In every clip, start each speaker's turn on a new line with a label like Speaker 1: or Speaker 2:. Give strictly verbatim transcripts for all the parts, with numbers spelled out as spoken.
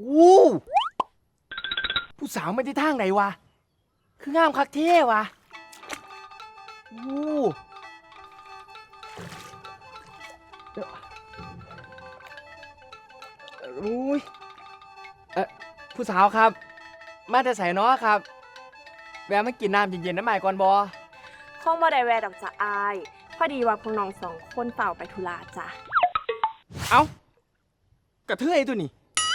Speaker 1: อู้ผู้สาวไม่ได้ทางไหนวะคืองามคักเท่วะอู้เดี๋ยวอุ้ยเออผู้สาวครับมาแต่ใส่น้อครับแวะมากินน้ำเย็นๆน้ำใหม่ก่อนบอ
Speaker 2: คงบ่ได้แวะดอกจ้ะอายพอดีว่าพวกน้องสองคนเฝ้าไปธุระจ้ะ
Speaker 1: เอ้ากระเทยตัวนี้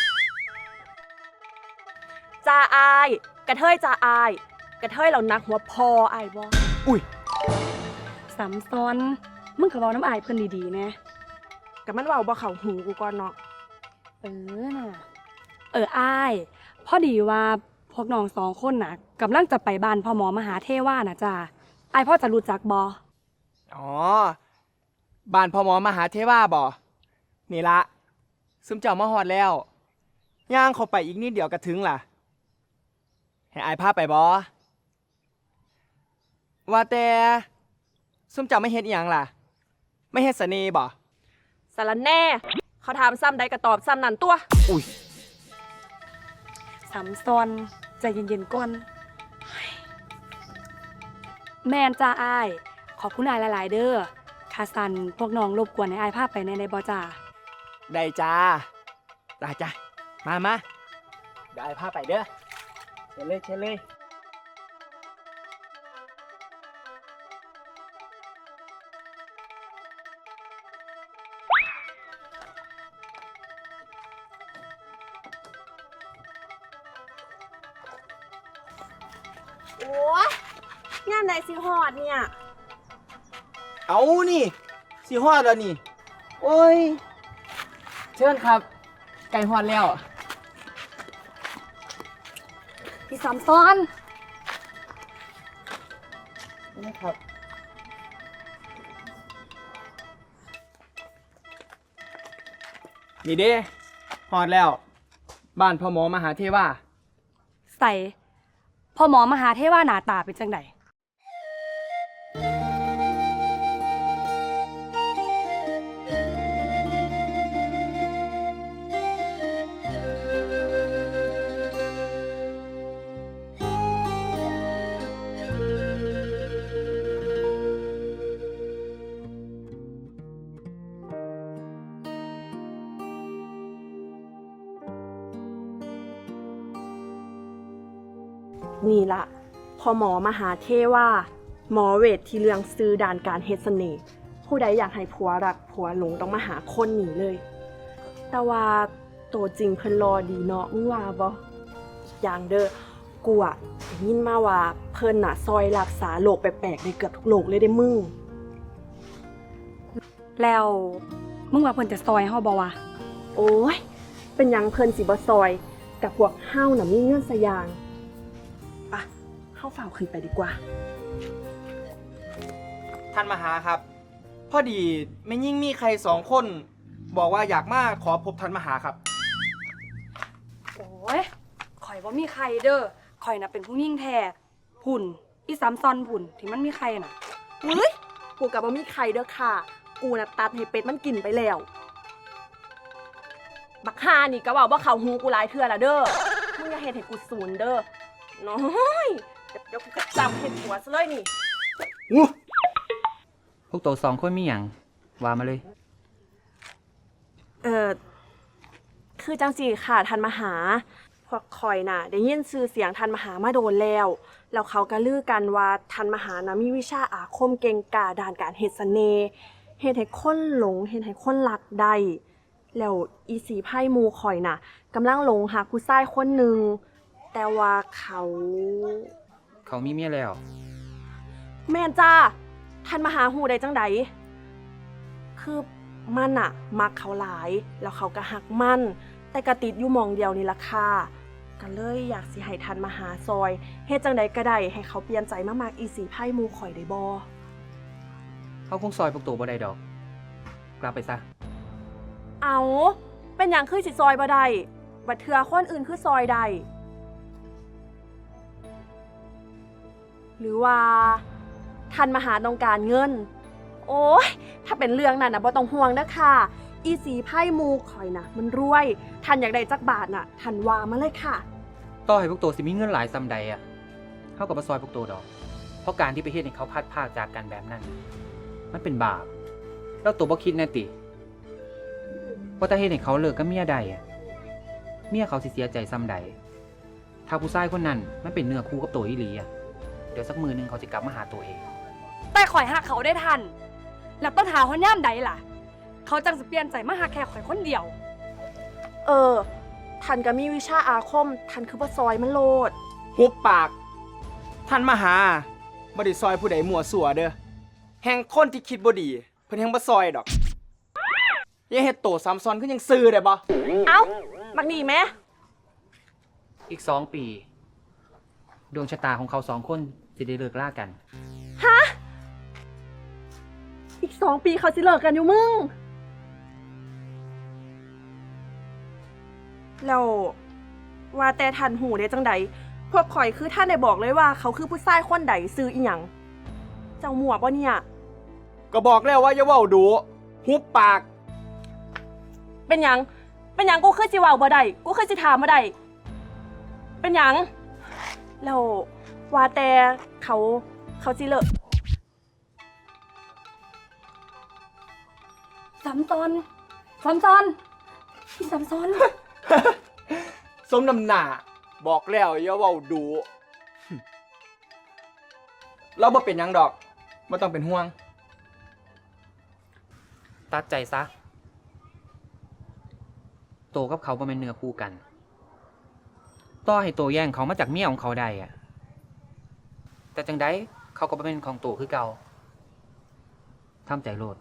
Speaker 2: จ้าอายกระเทยจ้าอายกระเทยเรานักหัวพออายบ่
Speaker 1: อุ้ย
Speaker 3: สำซ้อนมึงก็เว้าน้ำอายเพิ่นดีๆนะ
Speaker 2: ก็มันเว้าบ่เข้าหูกูก่อนเนาะ
Speaker 3: เออน่ะเอออายพอดีว่าพวกน้องสองคนน่ะกำลังจะไปบ้านพ่อหมอมหาเทวาน่ะจ้าอายพ่อจะรู้จักบ่
Speaker 1: อ๋อบ้านพ่อหมอมหาเทวาบ่นี่ละซึมเจ้ามาฮอดแล้วย่างเข้าไปอีกนิดเดียวก็ถึงล่ะให้อายพาไปบ่ว่าแต่ซึมเจ้าไม่เฮ็ดอีหยังล่ะไม่เฮ็ดเสน่ห์บ่
Speaker 2: สารแน่เขาถามซ้ำใดก็ตอบซ้ำนั่นตัว
Speaker 1: อุ้ย
Speaker 3: สำซ้อนใจเย็นๆก่อนแม่นจ้าอายขอบคุณอายหลายๆเด้อค่าสั่นพวกน้องรบกวนให้อายพาไปในในบ่จ้า
Speaker 1: ได้จ้าจ้าจ้ามามาเดี๋ยวอายพาไปเด้อเชิญเลยเชิญเลย
Speaker 2: โอ้ยงานไหนสิฮอดเนี่ย
Speaker 1: เอานี่สิฮอดแล้วนี่โอ้ยเชิญครับไก่ฮอดแล้ว
Speaker 3: พี่สำซ้อน
Speaker 1: นี่ครับนี่เด้ฮอดแล้วบ้านพ่อหมอมหาเทวา
Speaker 3: ใส่พ่อหมอมหาเทวาหน้าตาเป็นจังได
Speaker 2: นี่ละพอหมอมหาเทวาหมอเวทที่เรื่องซื้อด่านการเฮ็ดเสน่ห์ผู้ใดอยากให้ผัวรักผัวหลงต้องมาหาคนหนีเลยแต่ว่าตัวจริงเพิ่นรอดีเนาะมึงว่าบ่อย่างเด้อกูอะได้ยินมาว่าเพิ่นน่ะซอยรักษาโรคแปลกๆได้เกือบทุกโรคเลยได้มึง
Speaker 3: แล้วมึงว่าเพิ่นจะซอยเฮาบ่วะ
Speaker 2: โอ้ยเป็นหยังเพิ่นสิบ่ซอยกับพวกเฮาน่ะมีเงินซะอย่างปะเข้าเฝ้าขึ้นไปดีกว่า
Speaker 1: ท่านมหาครับพอดีไม่ยิ่งมีใครสองคนบอกว่าอยากมาขอพบท่านมหาครับ
Speaker 3: โอ้ยข่อยบ่มีใครเด้อข่อยน่ะเป็นผู้หญิงแท้หุ่นอีสามซอนหุ่นที่มันมีใครน่ะ
Speaker 2: เฮ้ยกูกับบ่มีใครเด้อค่ะกูน่ะตัดให้เป็ดมันกินไปแล้วบักฮานี่ก็เว้าบ่เข้าหูกูหลายเทื่อละเด้อมึงอย่าเฮ็ดให้กูสูญเด้อน้อยเดี๋ยวกูกระจำเห็ดหัวซะเลยนี่
Speaker 1: อู้
Speaker 4: พวกตัวสองคนมีอย่างว่ามาเลย
Speaker 2: เออคือจังสีค่ะทันมหาพวกคอยน่ะได้ยินชื่อเสียงทันมหามาโดนแล้วแล้วเขาก็ลือกันว่าทันมหานะมีวิชาอาคมเก่งกาจด้านการเฮ็ดเสน่ห์เฮ็ดให้คนหลงเฮ็ดให้คนรักได้แล้วอีสีไพ่มูคอยน่ะกำลังหลงหาผู้ชายคนหนึ่งแต่ว่าเขา
Speaker 4: เขามีเมียแล้ว
Speaker 2: แม่นจ้าท่านมหาหูได้จังใดคือมันอะมักเขาหลายแล้วเขาก็หักมันแต่กระติดอยู่มองเดียวนี่ล่ะค่ะก็เลยอยากสิให้ท่านมหาซอยเฮ็ดจังใดก็ได้ให้เขาเปลี่ยนใจมามากอีสีไพ่มูข่อยได้บ่
Speaker 4: เขาคงซอยพวกตัวบ่ได้ดอกกลับไปซะ
Speaker 2: เอาเป็นหยังคือสิซอยบ่ได้บัดเทื่อคนอื่นคือซอยได้หรือว่าท่านมหาต้องการเงินโอ้ยถ้าเป็นเรื่องนั้นนะบ่ต้องห่วงนะค่ะอีสีไพ่มูข่อยนะมันรวยท่านอยากได้จักบาทน่ะท่านว่ามาเลยค่ะ
Speaker 4: ต่อให้พวกตัวสิมีเงินหลายซำใดอ่ะเท่ากับมาซอยพวกตัวดอก เพราะการที่ไปเฮ็ดให้เขาพลาดพลาดจากกันแบบนั้น มันเป็นบาป แล้วตัวบ่คิดแน่ติว่าถ้าเฮ็ดให้เขาเลิกกับเมียใดอ่ะ เมียเขาสิเสียใจซำใด ถ้าผู้ชายคนนั้นมันเป็นเนื้อคู่กับตัวอีหลีอ่ะ เดี๋ยวสักมือหนึงเขาจะกลับมาหาตัวเอง
Speaker 3: แต่ข่อยหักเขาได้ทัน แล้วต้องหาคนย่ามใดล่ะ เขาจังจะเปลี่ยนใจมาหักแค่ข่อยคนเดียว
Speaker 2: เออท่านก็มีวิชาอาคมท่านคือบ่ซอยมันโลด
Speaker 1: หุบปาก ท่านมาหาบ่ได้ซอยผู้ใดมั่วสั่วเด้อแห่งคนที่คิดบ่ดี เพิ่นแห่งบ่ซอยดอกอย่าเฮ็ดโตซ้ำซ้อนคือยังซื่อได้บ่
Speaker 2: เอ้าบักนี่แม่
Speaker 4: อีกสองปี ดวงชะตาของเขาสองคนจะได้เลิกล่ากัน
Speaker 2: อีกสองปีเขาสิเลิกกันอยู่มึงแล้วว่าแต่ท่านหูได้จังใดพวกข่อยคือท่านได้บอกเลยว่าเขาคือผู้ชายคนใดซื้ออีหยังเจ้าหมวกบ่เนี่ย
Speaker 1: ก็บอกแล้วว่าอย่าเว้าดูหุบปาก
Speaker 2: เป็นหยัง เป็นหยังกูคือสิเว้าบ่ได้กูคือสิถามบ่ได้เป็นหยังแล้วว่าแต่เขาเขาสิเลิก
Speaker 3: ซ้ำซ้อนซ้ำซ้อนพี่ซ้ำซ้อน
Speaker 1: สมน้ำหน้าบอกแล้วอย่าเว้าดูเราบ่เป็นหยังดอกบ่ต้องเป็นห่วง
Speaker 4: ตัดใจซะ โตกับเขาบ่แม่นเนื้อคู่กัน ต่อให้โตแย่งเขามาจากเมียของเขาได้อะแต่จังไดเขาก็บ่เป็นของโตคือเก่าทำใจโลด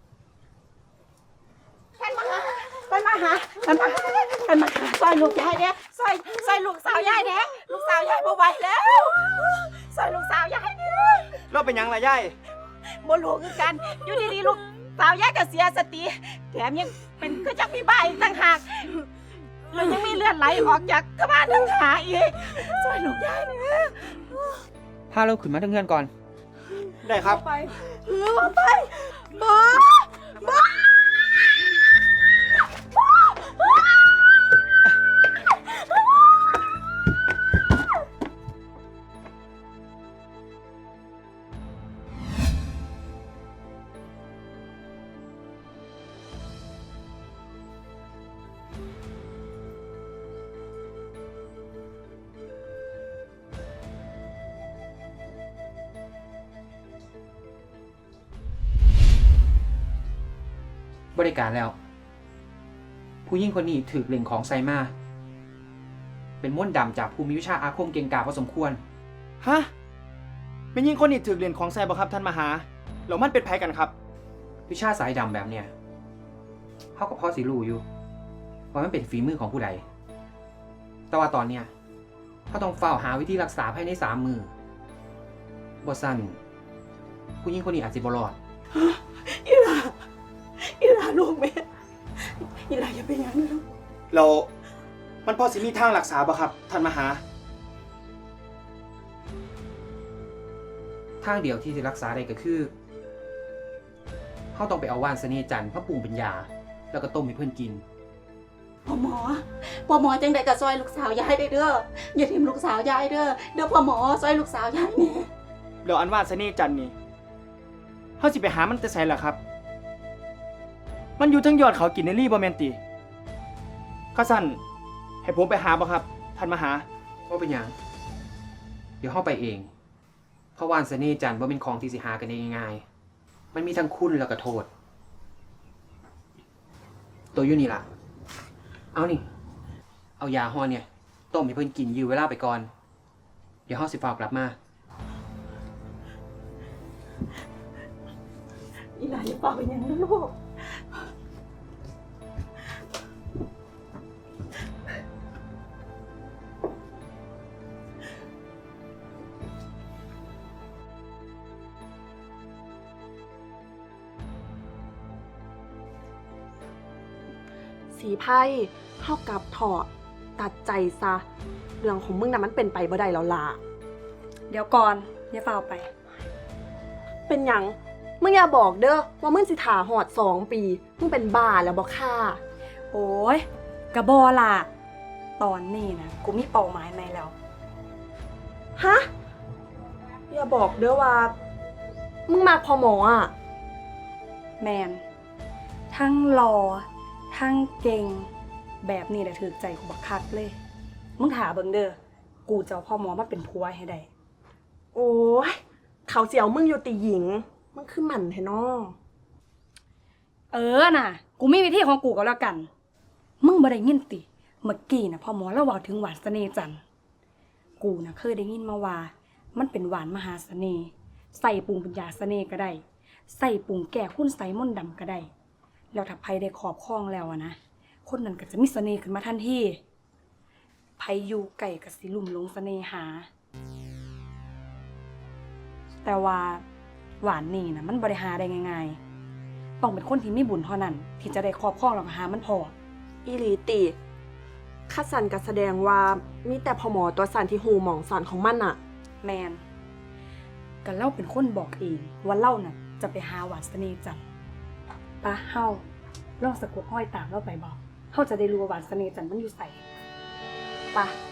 Speaker 5: มันมาหามันมามันมาหาซอยลูกยายเนี่ยซอยซอยลูกสาวยายเนี่ยลูกสาวยายบ่ไหวแล้วซอยลูกสาวยายเนี่ย
Speaker 1: เราเป็นหยังล่ะยาย
Speaker 5: บ่รู้คือกันอยู่ดีๆลูกสาวยายก็เสียสติแถมยังเป็นคือจักมีบ้าอีกต่างหากแล้วยังมีเลือดไหลออกจากกระบาลทั้งขาอีกซอยลูกยายเนี่ย
Speaker 4: พาเราขึ้นมาทั้งเงื่อนก่อน
Speaker 1: ได้ครับ
Speaker 5: ไปเออไปบ่บ่
Speaker 4: บริการแล้ว ผู้หญิงคนนี้ถือเล่งของไซมา เป็นม้วนดำจากภูมิวิชาอาคมเก่งกาจพอสมควร
Speaker 1: ฮะเป็นยิงคนนี่ถึกเหรียญของแซ่บ่ครับท่านมหาแล้วมันเป็นไผกันครับ
Speaker 4: วิชาสายดำแบบเนี้ยเขากับพ่อสิรู้อยู่ ว่ามันเป็นฝีมือของผู้ใด แต่ว่าตอนเนี้ยเขาต้องเฝ้าหาวิธีรักษาภายในสามมือบสั้นผู้หญิงคนนี้อาจจะบรอด
Speaker 5: อีหลาอีหลาลูกแม่อีหลาอย่าเป็นอย่างนั้นลูก
Speaker 1: เรามันพอสิมีทางรักษาบ่ครับท่านมหา
Speaker 4: ทางเดียวที่จะรักษาได้ก็คือเขาต้องไปเอาว่านเสน่ห์จันทร์พระปรุงเป็นยา แล้วก็ต้มให้เพื่อนกิน
Speaker 5: พ่อหมอพ่อหมอจังใดก็ซอยลูกสาวยายได้เด้ออย่าทิ่มลูกสาวยายเด้อเด้อพ่อหมอซอยลูกสาวยายแน่
Speaker 1: เดี๋ยวอันว่าเสน่ห์จันทร์นี่เฮาสิไปหามันแต่ไสล่ะครับ มันอยู่เทั้งยอดเขากินในรีบ่แม่นติข้าสั่นให้ผมไปหาบ่ครับท่านมหา
Speaker 4: ว่าเป็นหยัง เดี๋ยวเข้าไปเอง เพราะว่านเสน่ห์จันทร์ว่าเป็นของที่สิหากันได้ง่ายๆมันมีทั้งคุณแล้วก็โทษ ตัวอยู่นี่ล่ะ เอานี่ เอายาฮอเนี่ยต้มให้เพิ่นกินยื้อเวลาไปก่อน เดี๋ยวเฮาสิฝากกลับมา
Speaker 5: อีหลาอย่าเป่าเป็นอย่างนั้นลูก
Speaker 2: สีไพ่เท่ากับถอดตัดใจซะ เรื่องของมึงน่ะมันเป็นไปบ่ได้แล้วล่ะ
Speaker 3: เดี๋ยวก่อนอย่าเฝ้าไป
Speaker 2: เป็นหยังมึงอย่าบอกเด้อว่ามึงสิถาหอดสองปี มึงเป็นบ้าแล้วบ่ค่ะ
Speaker 3: โอ้ยกระบอล่ะ ตอนนี้นะกูมีเป้าหมายใหม่แล้ว
Speaker 2: ฮะ อย่าบอกเด้อว่า มึงมาพอหมออ่ะ
Speaker 3: แมน ทั้งรอ ทั้งเก่ง แบบนี้แหละถือใจกูบักคักเลย มึงถาเบิ่งเด้อ กูจะเอาพ่อหมอมาเป็นผัวให้ได้
Speaker 2: โอ้ย เขาเสียวมึงอยู่ติหญิง มึงคือหมันแท้น้อ
Speaker 3: เออน่ะ กูมีวิธีของกูก็แล้วกัน มึงบ่ได้ยินติ เมื่อกี้น่ะพ่อหมอเล่าเว้าถึงหวานเสน่ห์จันทร์กูน่ะเคยได้ยินมาว่า มันเป็นหวานมหาเสน่ห์ ใส่ปรุงเป็นยาเสน่ห์ก็ได้ ใส่ปรุงแก้คุณไสมนต์ดำก็ได้ แล้วถ้าไผได้ครอบครองแล้วอะนะ คนนั้นก็จะมีเสน่ห์ขึ้นมาทันทีไผอยู่ไก่ก็สิลุ่มหลงเสน่หา แต่ว่าหวานนี่นะมันบริหารได้ง่ายๆ ต้องเป็นคนที่มีบุญเท่านั้น ที่จะได้ครอบครองแล้วก็หามันพอ
Speaker 2: อีหลีติคัดสันก็แสดงว่ามีแต่พอหมอตัวสันที่หูหมองสันของมันอะ
Speaker 3: แมนก็เล่าเป็นคนบอกเองว่าเล่าน่ะจะไปหาหวานเสน่ห์จันทร์ปะเฮาลองสะกดห้อยตามเล่าไปบอกเฮาจะได้รู้ว่าหวานเสน่ห์จันทร์มันอยู่ใส่ปะ